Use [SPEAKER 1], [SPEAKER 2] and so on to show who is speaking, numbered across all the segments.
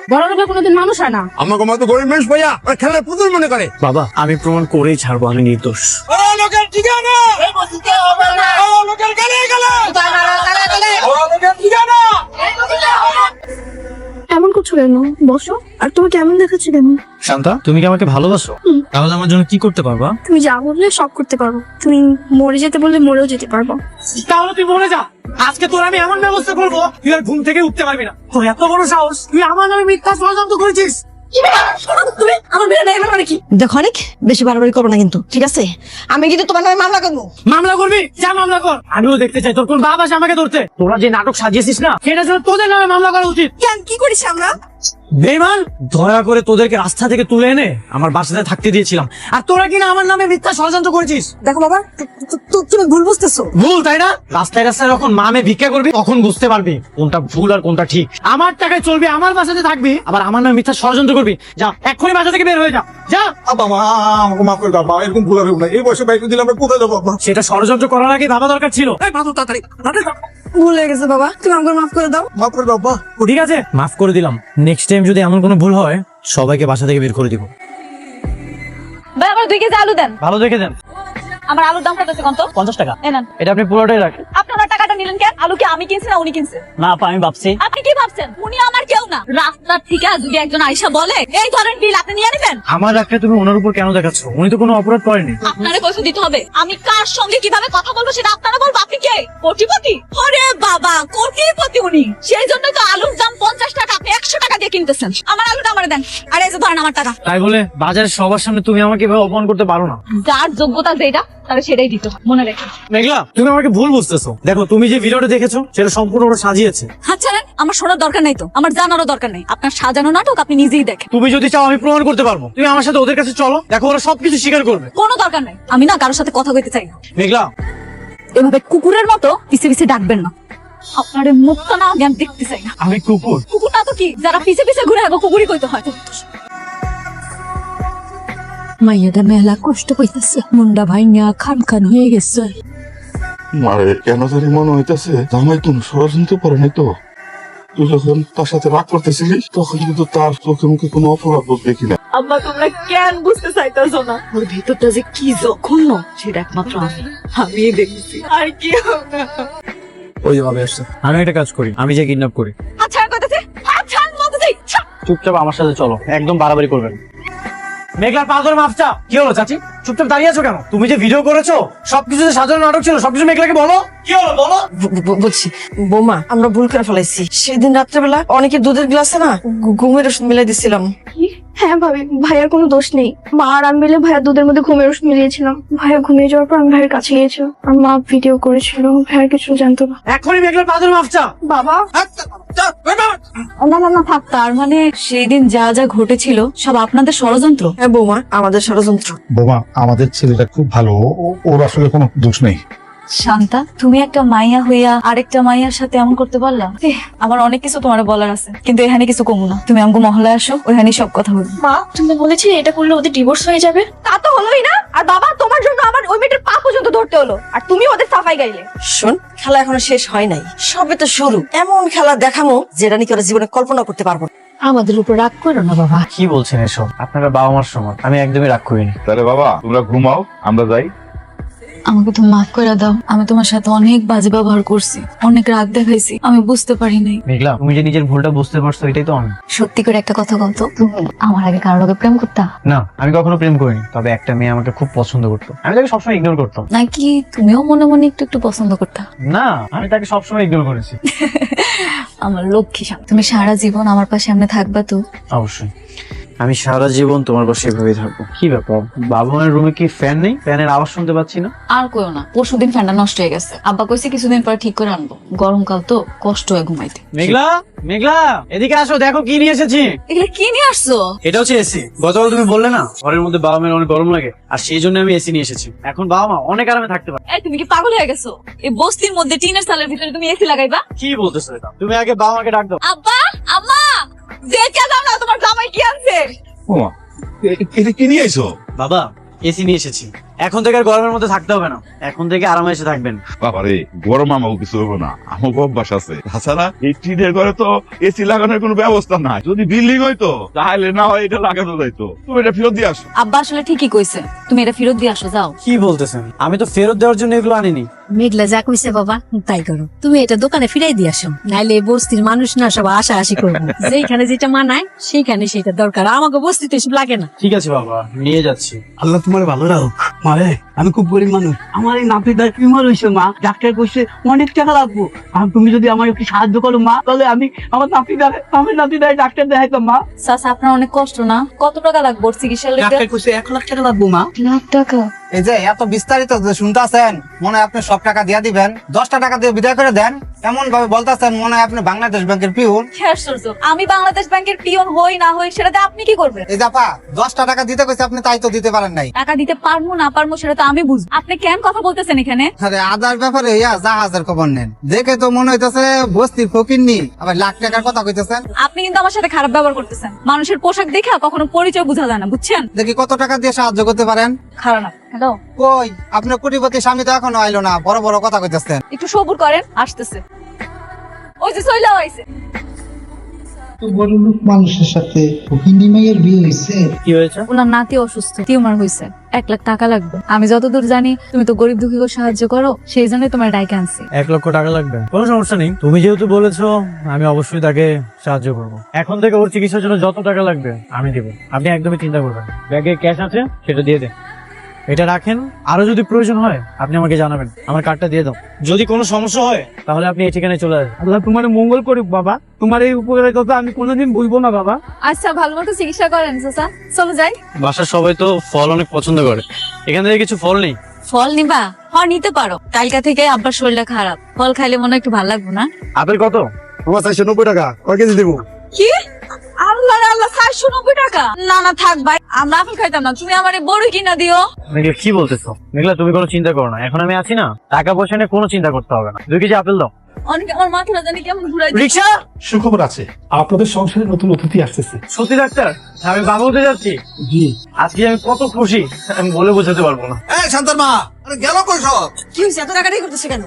[SPEAKER 1] বড় লোকের কোনোদিন মানুষ হয় না।
[SPEAKER 2] আমাকে মতো গরিব মানুষ ভাইয়া ওরা খেলার পুতুল মনে করে।
[SPEAKER 3] বাবা আমি প্রমাণ করেই ছাড়বো আমি নির্দোষ।
[SPEAKER 2] লোকের ঠিকানা লোকের গালে গালে লোকের ঠিকানা।
[SPEAKER 1] এমন করছো কেন? বসো। আর তুমি কেমন দেখাচ্ছে কেন?
[SPEAKER 3] শান্তা তুমি কি আমাকে ভালোবাসো? তাহলে আমার জন্য কি করতে পারবা?
[SPEAKER 1] তুমি যা বললে সব করতে পারবো। তুমি মরে যেতে বললে মরেও যেতে পারবো।
[SPEAKER 3] তাহলে তুই মরে যা। আজকে তোর আমি এমন ব্যবস্থা করবো তুই আর ঘুম থেকে উঠতে পারবি না। তোর এত বড় সাহস, তুই আমার নামে মিথ্যা ষড়যন্ত্র করেছিস।
[SPEAKER 1] তুমি আমার বিয়ে নেই মানে কি?
[SPEAKER 4] দেখো অনেক বেশি বাড়াবাড়ি করবো না কিন্তু, ঠিক আছে? আমি কিন্তু তোমার নামে মামলা করবো।
[SPEAKER 3] মামলা করবি? যা মামলা কর। আমিও দেখতে চাই তোর কোন বাবা আসে আমাকে ধরতে। তোরা যে নাটক সাজিয়েছিস না সেটার জন্য তোদের নামে মামলা করা উচিত।
[SPEAKER 1] কেন, কি করেছি আমরা?
[SPEAKER 3] বেঈমান, দয়া করে তোদেরকে রাস্তা থেকে তুলে এনে আমার বাসাতে থাকতে দিয়েছিলাম, আর তোরা কিনা আমার নামে মিথ্যা ষড়যন্ত্র করেছিস।
[SPEAKER 4] দেখো বাবা, তুমি ভুল বুঝতেছো।
[SPEAKER 3] ভুল তাই না? রাস্তায় রাস্তায় যখন মামে ভিক্ষা করবি তখন বুঝতে পারবি কোনটা ভুল আর কোনটা ঠিক। আমার টাকায় চলবি, আমার বাসাতে থাকবি, আবার আমার নামে মিথ্যা ষড়যন্ত্র করবি। যা এক্ষুনি বাসা থেকে বের হয়ে যা। যা।
[SPEAKER 2] বাবা আমাকে মাফ করে দাও বাবা, এরকম ভুল হবে না। এই বয়সে বাইক দিলে আমরা কোথায় যাবো বাবা?
[SPEAKER 3] সেটা ষড়যন্ত্র করার আগে ভাবা দরকার ছিল।
[SPEAKER 2] তাড়াতাড়ি
[SPEAKER 4] ভুল হয়ে গেছে বাবা, তুমি আমাকে মাফ করে দাও।
[SPEAKER 2] মাফ করে দাও বাবা।
[SPEAKER 3] ঠিক আছে, মাফ করে দিলাম। নেক্সট টাইম যদি এমন কোনো ভুল হয় সবাইকে বাসা থেকে বের করে দিব।
[SPEAKER 5] ভাই আমার 2 কেজি আলু দেন।
[SPEAKER 3] ভালো দেখে দেন।
[SPEAKER 5] আমার আলুর দাম কত কত?
[SPEAKER 3] 50 টাকা।
[SPEAKER 5] এই নেন।
[SPEAKER 3] এটা আপনি পুরোটাই রাখেন।
[SPEAKER 5] আপনি ওনার টাকাটা নিলেন কেন? আলু কি আমি কিনছি না উনি কিনছে?
[SPEAKER 3] না আপা, আমি ভাবছি
[SPEAKER 5] আপনি কি ভাবছেন উনি আমার কেউ না? রাস্তার থেকে যদি একজন আইসা বলে এই ধরেন বিল আপনি নিয়ে নেবেন,
[SPEAKER 3] আমার রাখলে তুমি ওনার উপর কেন দেখাচ্ছ? উনি তো কোনো অপরাধ করেনি।
[SPEAKER 5] আপনারে পয়সা দিতে হবে। আমি কার সঙ্গে কিভাবে কথা বলবো সেটা আপনারা বলবো। আপনি কে? কোটিপতি? ওরে বাবা, কোটিপতি উনি। সেই জন্য তো আলুর দাম 50 টাকা, আপনি 100 টাকা দিয়ে কিনতেছেন। আমার আলুটা আমারে দেন। আর এই যে ধরেন আমার টাকা।
[SPEAKER 3] তাই বলে বাজারে সবার সামনে তুমি আমাকে এভাবে অপমান করতে পারো না।
[SPEAKER 5] যার যোগ্যতা যেটা তাহলে সেটাই দিতে হয়, মনে রেখে।
[SPEAKER 3] মেঘলা, তুমি আমাকে ভুল বুঝতেছো। দেখো তুমি যে ভিডিওটা দেখেছো সেটা সম্পূর্ণ ওরা সাজিয়েছে।
[SPEAKER 5] আচ্ছা আমার শোনার দরকার নাই তো, আমার জানারও দরকার নাই। আপনার সাজানো নাটক আপনি নিজেই দেখেন।
[SPEAKER 3] তুমি যদি চাও আমি প্রমাণ করতে পারবো। তুমি আমার সাথে ওদের কাছে চলো, দেখো ওরা সবকিছু স্বীকার করবে।
[SPEAKER 5] কোনো দরকার নাই, আমি না কারোর সাথে কথা কইতে চাই না।
[SPEAKER 3] মেঘলা,
[SPEAKER 5] এভাবে কুকুরের মতো পিছে পিছে ডাকবেন না। আপনার এই মুখটা না জ্ঞান দেখতে চাই না।
[SPEAKER 3] আমি কুকুর?
[SPEAKER 5] কুকুর না তো কি, যারা পিছে পিছে ঘুরে আগে কুকুরই কইতে হয়।
[SPEAKER 4] মাইয়াটা মেলা কষ্ট পাইতেছে, মুন্ডা ভাইয়া খান খান হয়ে গেছে।
[SPEAKER 6] মারে কেন জানি মনে হইতেছে জামাই তুমি ষড়যন্ত্র করে নাই তো? তুই যখন তার সাথে রাগ করতেছিলিস তখন কিন্তু তার চোখে মুখে কোনো অপরাধ বোধ দেখি না।
[SPEAKER 5] আম্মা তোমরা কেন বুঝতে চাইতেছো না? ওর ভিতরটা যে কি জঘন্য সেটা একমাত্র আমি দেখছি, আর কি হবে।
[SPEAKER 3] ওই যে ভাবে আসছে। আমি একটা কাজ করি, আমি যে কিডন্যাপ করি।
[SPEAKER 5] আচ্ছা কথাতে আচ্ছা বলতে চাই।
[SPEAKER 3] চুপচাপ আমার সাথে চলো, একদম বাড়াবাড়ি করবেন। মেঘলার পা ধরে মাফ চা। কি হলো চাচি, চুপচাপ দাঁড়িয়ে আছো কেন? তুমি যে ভিডিও করেছো সবকিছু যে সাজানো নাটক ছিল, সবকিছু মেঘলাকে বলো। কি হলো বলো।
[SPEAKER 4] বলছি বৌমা, আমরা ভুল করে ফেলাইছি। সেদিন রাত্রেবেলা অনেকে দুধের গ্লাসে না ঘুমের ওষুধ মিলাই দিছিলাম।
[SPEAKER 1] হ্যাঁ ভাবি, ভাইয়ার কোনো দোষ নেই। মা আর আমি মিলে ভাইয়ার দুধের মধ্যে ঘুমের ওষুধ মিলিয়েছিলাম। ভাইয়া ঘুমিয়ে যাওয়ার পর আমি ভাইয়ের কাছে গিয়েছিলাম। আর মা ভিডিও করেছিল, ভাইয়ার কিছু জানতো না।
[SPEAKER 3] এখনই মেঘলার পা ধরে মাফ চা।
[SPEAKER 1] বাবা
[SPEAKER 5] না না না থাক, তার মানে সেই দিন যা যা ঘটেছিল সব আপনাদের ষড়যন্ত্র।
[SPEAKER 4] হ্যাঁ বৌমা, আমাদের ষড়যন্ত্র।
[SPEAKER 6] বোমা, আমাদের ছেলেটা খুব ভালো, ওর আসলে কোনো দোষ নেই।
[SPEAKER 5] শান্তা, তুমি একটা মাইয়া হইয়া আরেকটা মাইয়ার সাথে এমন করতে পারলা? আমার অনেক কিছু তোমার বলার আছে, কিন্তু এখানে কিছু কমু না। তুমি আমাকে মহলায় আসো, ওইখানে সব কথা বলবো।
[SPEAKER 1] মা, তুমি বলেছিলে এটা করলে ওদের ডিভোর্স হয়ে যাবে। তা তো হলোই না। আর বাবা, তোমার জন্য আমার ওই মেয়েটার পা পর্যন্ত ধরতে হলো, আর তুমি ওদের সাফাই গাইলে।
[SPEAKER 4] শোন, খেলা এখনো শেষ হয় নাই, সবে তো শুরু। এমন খেলা দেখামো যেটা নাকি ওরা জীবনে কল্পনা করতে পারবো না। আমাদের উপর রাগ করো না বাবা।
[SPEAKER 3] কি বলছেন এসব? আপনারা বাবা মার সমান, আমি একদমই রাগ করিনি।
[SPEAKER 6] তাহলে বাবা তোমরা ঘুমাও, আমরা যাই।
[SPEAKER 5] আমাকে তো মাফ করে দাও। আমি তোমার সাথে অনেক বাজে ব্যবহার করছি, অনেক রাগ দেখাইছি, আমি বুঝতে পারি নাই।
[SPEAKER 3] মেঘলা, তুমি যে নিজের ভুলটা বুঝতে পারছো এটাই তো অনেক।
[SPEAKER 5] সত্যি করে একটা কথা বলতো, তুমি আমার আগে কারোর আগে প্রেম করতা?
[SPEAKER 3] না, আমি কখনো প্রেম করিনি, তবে একটা মেয়ে আমাকে খুব পছন্দ করতো। আমি তাকে সবসময় ইগনোর করতাম।
[SPEAKER 5] নাকি তুমিও মনে মনে একটু একটু পছন্দ করতা?
[SPEAKER 3] না, আমি তাকে সবসময় ইগনোর করেছি।
[SPEAKER 5] আমার লক্ষ্মী শান্ত, তুমি সারা জীবন আমার পাশে এমনি থাকবা তো?
[SPEAKER 3] অবশ্যই, আমি সারা জীবন তোমার পাশে এভাবেই থাকবো। কি ব্যাপার, বাবা মায়ের রুমে কি ফ্যান নেই? ফ্যানের আওয়াজ শুনতে পাচ্ছি না।
[SPEAKER 5] আর কইও না, পরশুদিন ফ্যানটা নষ্ট হয়ে গেছে। আব্বা কইছে কিছুদিন পর ঠিক করে আনবো। গরমকাল তো, কষ্ট হয় ঘুমাইতে।
[SPEAKER 3] মেঘলা, মেঘলা এদিকে আসো, দেখো কি নিয়ে এসেছি।
[SPEAKER 5] এগুলো কি নিয়ে আসছো?
[SPEAKER 3] এটা হচ্ছে এসি। গতকাল তুমি বললে না ঘরের মধ্যে বাবা মায়ের অনেক গরম লাগে, আর সেই জন্য আমি এসি নিয়ে এসেছি। এখন বাবা মা অনেক আরামে থাকতে পারে।
[SPEAKER 5] এই তুমি কি পাগল হয়ে গেছো? এই বস্তির মধ্যে টিনের চালের ভিতরে তুমি এসি লাগাইবা?
[SPEAKER 3] কি বলতেছো এটা? তুমি আগে বাবা মাকে ডাক দাও।
[SPEAKER 5] আব্বা, আম্মা, দেখে দাও না তোমার জামাই কি আনছে।
[SPEAKER 6] বোমা, এটা কি নিয়ে আইছো?
[SPEAKER 3] বাবা, এসি নিয়ে এসেছি। এখন থেকে আর গরমের মধ্যে থাকতে হবে না, এখন থেকে আরামে এসে থাকবেন।
[SPEAKER 6] বাবারে গরম আমাকে কিছু হবো না, আমার অভ্যাস আছে। তাছাড়া এই টিনের ঘরে তো এসি লাগানোর কোনো ব্যবস্থা নাই। যদি বিল্ডিং হইতো তাহলে না হয় এটা লাগানো যাইতো। তুমি এটা ফেরত দিয়ে আসো।
[SPEAKER 5] আব্বা আসলে ঠিকই কইছে, তুমি এটা ফেরত দিয়ে আসো যাও।
[SPEAKER 3] কি বলতেছেন? আমি তো ফেরত দেওয়ার জন্য এগুলো আনিনি।
[SPEAKER 7] মেঘলা যা কইছে বাবা তাই করো, তুমি এটা দোকানে ফিরাই দিয়ে আসো, নাইলে এই বস্তির মানুষ না সব আশা আশি করবো। যেখানে যেটা মানায় সেইখানে সেটা দরকার, আমাকে বস্তিতে এসব লাগে না।
[SPEAKER 3] ঠিক আছে বাবা, নিয়ে যাচ্ছি।
[SPEAKER 8] আল্লাহ তোমার ভালো রাখুক। মারে আমি খুব গরিব মানুষ, আমার এই নাতিটা টিউমার হয়েছে মা, ডাক্তার কইছে অনেক টাকা লাগবো। আর তুমি যদি আমার একটু সাহায্য করো মা, তাহলে আমি আমার নাতিটাই ডাক্তার দেখাইতাম মা।
[SPEAKER 5] চাচা আপনার অনেক কষ্ট না? কত টাকা লাগবে ওর চিকিৎসার লেগে?
[SPEAKER 8] ডাক্তার কইছে 1 লাখ টাকা লাগবো মা।
[SPEAKER 1] লাখ টাকা?
[SPEAKER 9] এই যে এত বিস্তারিত যে শুনতেছেন, মনে হয় আপনি সব টাকা দিয়ে দিবেন, 10টা টাকা দিয়ে বিদায় করে দেন। এমন ভাবে বলতেছেন মনে হয় আপনি বাংলাদেশ ব্যাংকের পিউন।
[SPEAKER 5] কি আশ্চর্য! আমি বাংলাদেশ ব্যাংকের পিয়ন হই না হই সেটাতে আপনি কি করবেন?
[SPEAKER 9] এই জাপা 10টা টাকা দিতে কইছে, আপনি তাই তো দিতে পারেন নাই।
[SPEAKER 5] টাকা দিতে পারবো না পারবো সেটা তো আমি বুঝবো, আপনি কেন কথা বলতেছেন এখানে?
[SPEAKER 9] আরে আদার ব্যাপারে ইয়া জাহাজের খবর নেন, দেখে তো মনে হইতেছে বস্তির ফকিন্নি, আবার লাখ টাকার কথা কইতেছেন।
[SPEAKER 5] আপনি কিন্তু আমার সাথে খারাপ ব্যবহার করতেছেন। মানুষের পোশাক দেখা কখনো পরিচয় বোঝা যায় না, বুঝছেন?
[SPEAKER 9] দেখি কত টাকা দিয়ে সাহায্য করতে পারেন।
[SPEAKER 5] খারাপ না। হ্যালো,
[SPEAKER 9] কই আপনার কোটিপতি স্বামী তো এখনো আইলো না, বড় বড় কথা কইতেছেন।
[SPEAKER 5] একটু সবুর করেন, আসতেছে। ওই যে চইলাও আইছে।
[SPEAKER 10] বড় লোক মানুষের সাথে ফকিন্নি মাইয়ের বিয়ে হয়েছে।
[SPEAKER 3] কি হয়েছে?
[SPEAKER 5] ওনার নাতি অসুস্থ, টিউমার হয়েছে, 1 লাখ টাকা লাগবে। আমি যতদূর জানি তুমি তো গরিব দুঃখীকে সাহায্য করো, সেই জন্যই তোমার ডাইকে আনছি।
[SPEAKER 3] 1 লক্ষ টাকা লাগবে? কোনো সমস্যা নেই, তুমি যেহেতু বলেছো আমি অবশ্যই তাকে সাহায্য করবো। এখন থেকে ওর চিকিৎসার জন্য যত টাকা লাগবে আমি দেবো, আপনি একদমই চিন্তা করবেন না। ব্যাগে ক্যাশ আছে, সেটা দিয়ে দেন। এটা রাখেন, আরো যদি প্রয়োজন হয় আপনি আমাকে জানাবেন, আমার কার্ডটা দিয়ে দাও। যদি কোনো সমস্যা হয় তাহলে আপনি এই ঠিকানায় চলে আসবেন।
[SPEAKER 8] আল্লাহ তোমার মঙ্গল করুক বাবা, তোমার এই উপকারের কথা আমি কোনোদিন ভুলবো না বাবা।
[SPEAKER 5] আচ্ছা, ভালো মতো চিকিৎসা করেন চাচা, চলো যাই।
[SPEAKER 3] বাসার সবাই তো ফল অনেক পছন্দ করে, এখান থেকে কিছু ফল নেই?
[SPEAKER 5] ফল নিবা? হ্যাঁ নিতে পারো, কালকা থেকে আব্বার শরীরটা খারাপ, ফল খাইলে মনে হয় একটু ভালো লাগবে না?
[SPEAKER 3] আপেল কত?
[SPEAKER 2] আমার 490 টাকা, কয় কেজি দিব?
[SPEAKER 5] কি? আল্লাহ রে আল্লাহ, 490 টাকা? না না থাক ভাই, আমরা আপেল খাইতাম না, তুমি আমার বড় কিনা দিও।
[SPEAKER 3] মেঘলা কি বলতেছো? মেঘলা তুমি কোনো চিন্তা করো না, এখন আমি আছি না, টাকা পয়সা নিয়ে কোনো চিন্তা করতে হবে না। 2 কেজি আপেল দাও।
[SPEAKER 5] অনেক আমার মাথাটা জানি কেমন ঘুরাই।
[SPEAKER 3] রিক্সা!
[SPEAKER 8] সুখবর আছে, আপনাদের সংসারে নতুন অতিথি আসতেছে।
[SPEAKER 3] সত্যি ডাক্তার, আমি বাবা হতে যাচ্ছি।
[SPEAKER 8] জি।
[SPEAKER 3] আজকে আমি কত খুশি আমি বলে বোঝাতে পারবো না।
[SPEAKER 2] এই শান্তর মা, আরে গেল কই সব?
[SPEAKER 4] কি হয়েছে, এত টাকাটাই করতেছে কেন?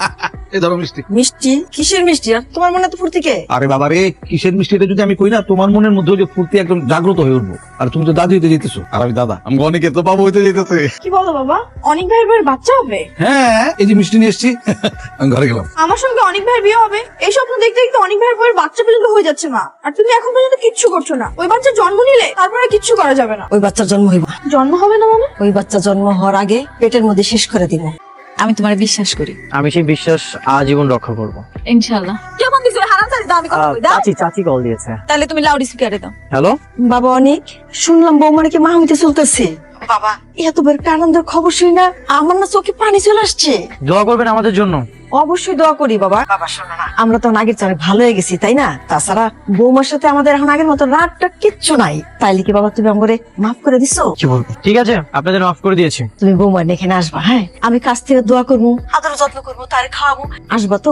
[SPEAKER 2] এই ধরো মিষ্টি।
[SPEAKER 4] মিষ্টি? কিসের মিষ্টি? আর তোমার মনে তো ফুর্তি কে?
[SPEAKER 11] আরে বাবা রে, কিসের মিষ্টিটা যদি আমি কই না, তোমার মনের মধ্যে ওই যে ফুর্তি একদম জাগ্রত হয়ে উঠবো। আর তুমি তো দাদু হইতে যেতেছো, আর আমি দাদা।
[SPEAKER 2] আমি অনেকে তো বাবু হইতে যেতেছে।
[SPEAKER 1] কি বলো বাবা, অনেক ভাইয়ের বউয়ের বাচ্চা হবে?
[SPEAKER 11] হ্যাঁ, এই যে মিষ্টি নিয়ে এসছি, আমি ঘরে গেলাম।
[SPEAKER 1] আমার সঙ্গে অনেক ভাইয়ের বিয়ে হবে, এই স্বপ্ন দেখতে দেখতে অনেক ভাইয়ের বউয়ের বাচ্চা পর্যন্ত হয়ে যাচ্ছে মা। আর তুমি এখন পর্যন্ত কিচ্ছু করছো না। ওই বাচ্চা জন্ম নিলে তারপরে কিচ্ছু করা যাবে না।
[SPEAKER 4] ওই বাচ্চার জন্ম হইবা?
[SPEAKER 1] জন্ম হবে না মানে?
[SPEAKER 4] ওই বাচ্চা জন্ম হওয়ার আগে পেটের মধ্যে শেষ করে দিব।
[SPEAKER 5] আমি তোমার বিশ্বাস করি,
[SPEAKER 3] আমি সেই বিশ্বাস আজীবন রক্ষা করবো।
[SPEAKER 5] ইনশাআল্লাহ। কেমন দিছো হারাম চাই দাও, আমি কথা কই দাও।
[SPEAKER 3] চাচি কল দিয়েছে।
[SPEAKER 5] তাহলে তুমি লাউড স্পিকারে দাও।
[SPEAKER 3] হ্যালো,
[SPEAKER 4] বাবা অনেক শুনলাম বৌমার কি মা হইতে চলতেছে। বাবা এত বড় একটা আনন্দের খবর শুনি না আমার না চোখে পানি চলে আসছে।
[SPEAKER 3] দোয়া করবেন আমাদের জন্য।
[SPEAKER 4] অবশ্যই দোয়া করি বাবা। বাবা শোনো না, আমরা তো আগের চেয়ে অনেক ভালো হয়ে গেছি তাই না? তাছাড়া বৌমার সাথে আমাদের এখন আগের মতো রাতটা কিচ্ছু নাই। তাইলে কি বাবা তুমি আমাকে মাফ করে দিছো?
[SPEAKER 3] কি বলবো? ঠিক আছে, আপনাদের মাফ করে দিয়েছি।
[SPEAKER 4] তুমি বৌমার এখানে আসবা, হ্যাঁ? আমি কাছ থেকে দোয়া করবো, আদর যত্ন করবো, তার খাওয়াবো। আসবা তো?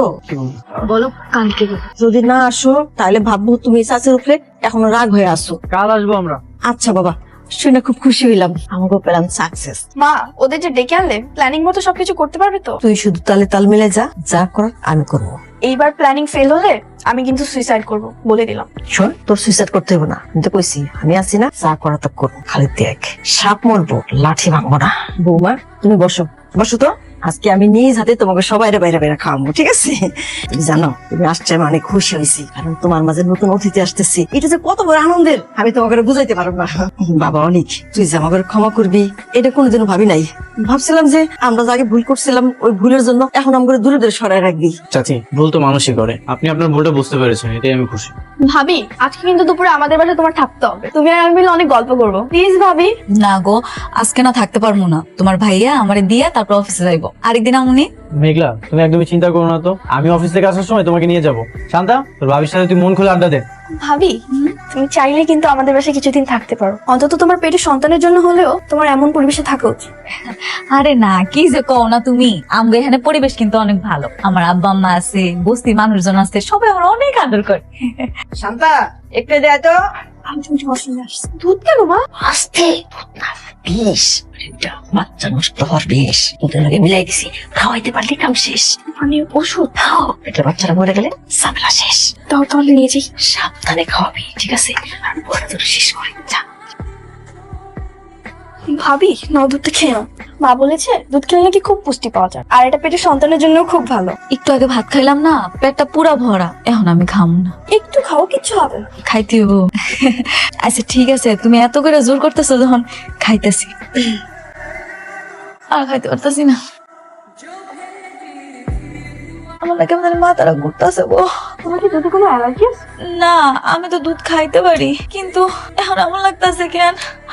[SPEAKER 1] বলো কালকে।
[SPEAKER 4] যদি না আসো তাহলে ভাববো তুমি চাচের উপরে এখনো রাগ হয়ে আসো।
[SPEAKER 3] কাল আসবো আমরা।
[SPEAKER 4] আচ্ছা বাবা, শুনে খুব খুশি হইলাম, আমাকে পেলাম সাকসেস।
[SPEAKER 1] মা, ওদের যে ডেকে আনলে প্ল্যানিং মতো সবকিছু করতে পারবে তো?
[SPEAKER 4] তুই শুধু তালে তাল মিলে যা, যা করার আমি করবো।
[SPEAKER 1] এইবার প্ল্যানিং ফেল হলে আমি কিন্তু সুইসাইড করব, বলে দিলাম।
[SPEAKER 4] শোন, তোর সুইসাইড করতে হবে না, আমি তো কইছি আমি আছি না, যা করা তা করবো। খালি দেখ, সাপ মরবো লাঠি ভাঙবো না। বৌমা তুমি বসো, বসো তো। আজকে আমি নিজ হাতে তোমাকে সবাই বাইরে বাইরে খাওয়াবো, ঠিক আছে? তুমি জানো তুমি আসছে আমি অনেক খুশি হয়েছি, কারণ তোমার মাঝে নতুন অতিথি আসতেছি। এটা যে কত বড় আনন্দের আমি তোমাকে বুঝাইতে পারবো না। বাবা অনেক, তুই যে আমাকে ক্ষমা করবি এটা কোনোদিনও ভাবি নাই। ভাবছিলাম যে আমরা যে আগে ভুল করছিলাম ওই ভুলের জন্য এখন আমাকে দূরে দূরে সরাই রাখবি।
[SPEAKER 3] চাচি, ভুল তো মানুষই করে, আপনি আপনার ভুলটা বুঝতে পেরেছেন, এটাই আমি খুশি।
[SPEAKER 1] ভাবি, আজকে কিন্তু দুপুরে আমাদের বাসায় তোমার থাকতে হবে। তুমি আর আমি মিলে অনেক গল্প করবো, প্লিজ ভাবি।
[SPEAKER 5] না গো, আজকে না থাকতে পারবো না। তোমার ভাইয়া আমারে দিয়া তারপর অফিসে যাইবো। আরেকদিন আমুনি।
[SPEAKER 3] মেঘলা, তুমি একদমই চিন্তা করো না তো, আমি অফিস থেকে আসার সময় তোমাকে নিয়ে যাবো। শান্তা, তোর ভাবির সাথে তুই মন খুলে আড্ডা দে।
[SPEAKER 1] ভাবি, তুমি চাইলে কিন্তু আমাদের বাসায় কিছুদিন থাকতে পারো, অন্তত তোমার পেটে সন্তানের জন্য হলেও তোমার এমন পরিবেশে থাকা উচিত।
[SPEAKER 5] আরে না, কি যে কও না তুমি। আমগো এখানে পরিবেশ কিন্তু অনেক ভালো, আমার আব্বা আম্মা আছে, বস্তির মানুষজন আছে, সবাই আমার অনেক আদর করে।
[SPEAKER 4] শান্তা একটু দেয় তো,
[SPEAKER 1] আমি তুমি ওয়াশরুমে আসছি। দুধ কেন মা?
[SPEAKER 4] আস্তে দুধ না, বিষ। এটা বাচ্চা নষ্ট হওয়ার বিষ, দুধের লগে মিলাই দিছি, খাওয়াইতে পারলে কাম শেষ।
[SPEAKER 1] মানে ওষুধ?
[SPEAKER 4] খাও, পেটের বাচ্চারা মরে গেলে ঝামেলা শেষ।
[SPEAKER 1] তাও তাহলে নিয়ে যাই।
[SPEAKER 4] সাবধানে খাওয়াবি, ঠিক আছে? আর পরে তোর শেষ করে যা।
[SPEAKER 1] ভাবি নাও দুধটা খেয়ে নাও। মা বলেছে দুধ খেলে নাকি খুব পুষ্টি পাওয়া যায়, আর এটা পেটের সন্তানের জন্য খুব ভালো।
[SPEAKER 5] একটু আগে ভাত খাইলাম না, পেটটা পুরা ভরা, এখন আমি খাম না।
[SPEAKER 1] একটু খাও, কিচ্ছু হবে না।
[SPEAKER 5] খাইতে হবো। আচ্ছা ঠিক আছে, তুমি এত করে জোর করতেছো যখন, খাইতেছি। আর খাইতে পারতেছি না, আমার না কেমন জানি মাথাটা ঘুরতেছে গো।
[SPEAKER 1] তোমার কি দুধে কোনো অ্যালার্জি আছে?
[SPEAKER 5] না, আমি তো দুধ খাইতে পারি, কিন্তু এখন এমন লাগতেছে কেন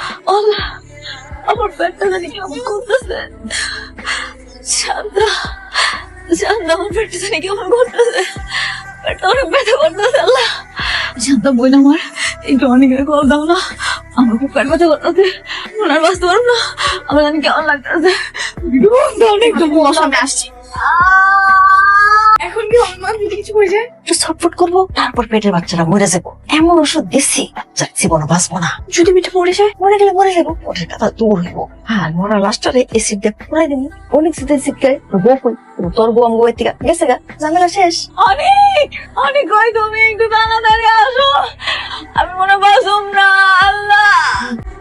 [SPEAKER 5] আমার পেটটা জানি কেমন করতেছে। শান্ত শান্ত, আমার পেটটা জানি কেমন করতেছে, পেটটা অনেক ব্যথা করতেছে। আল্লাহ, শান্ত বই না, আমার একটু অনেকের কল দাও না, আমার খুব পেট ব্যথা করতেছে, মনে আর বাঁচতে পারবো না, আমার জানি কেমন লাগতেছে অনেক।
[SPEAKER 1] আমি আসছি। এখন কি হবে মা? যদি কিছু হয়ে যায়?
[SPEAKER 4] একটু ছটফট করবো, তারপর পেটের বাচ্চারা মরে যাবো। এমন ওষুধ দিচ্ছি, বাচ্চার জীবনে বাঁচবো না।
[SPEAKER 1] যদি মিঠে পড়ে যায়?
[SPEAKER 4] মরে গেলে মরে যাবো, ওটার কথা দূর হইব। হ্যাঁ, মরার লাস্টারে এসিড দিয়ে পুরাই দেবো। অনেক শীতের শীত গায়ে বউ কই, তোর বউ আমি বউয়ের থেকে গেছে গা, ঝামেলা শেষ।
[SPEAKER 5] অনেক অনেক কই, তুমি একটু তাড়াতাড়ি আসো, আমি মনে বাসুম না। আল্লাহ।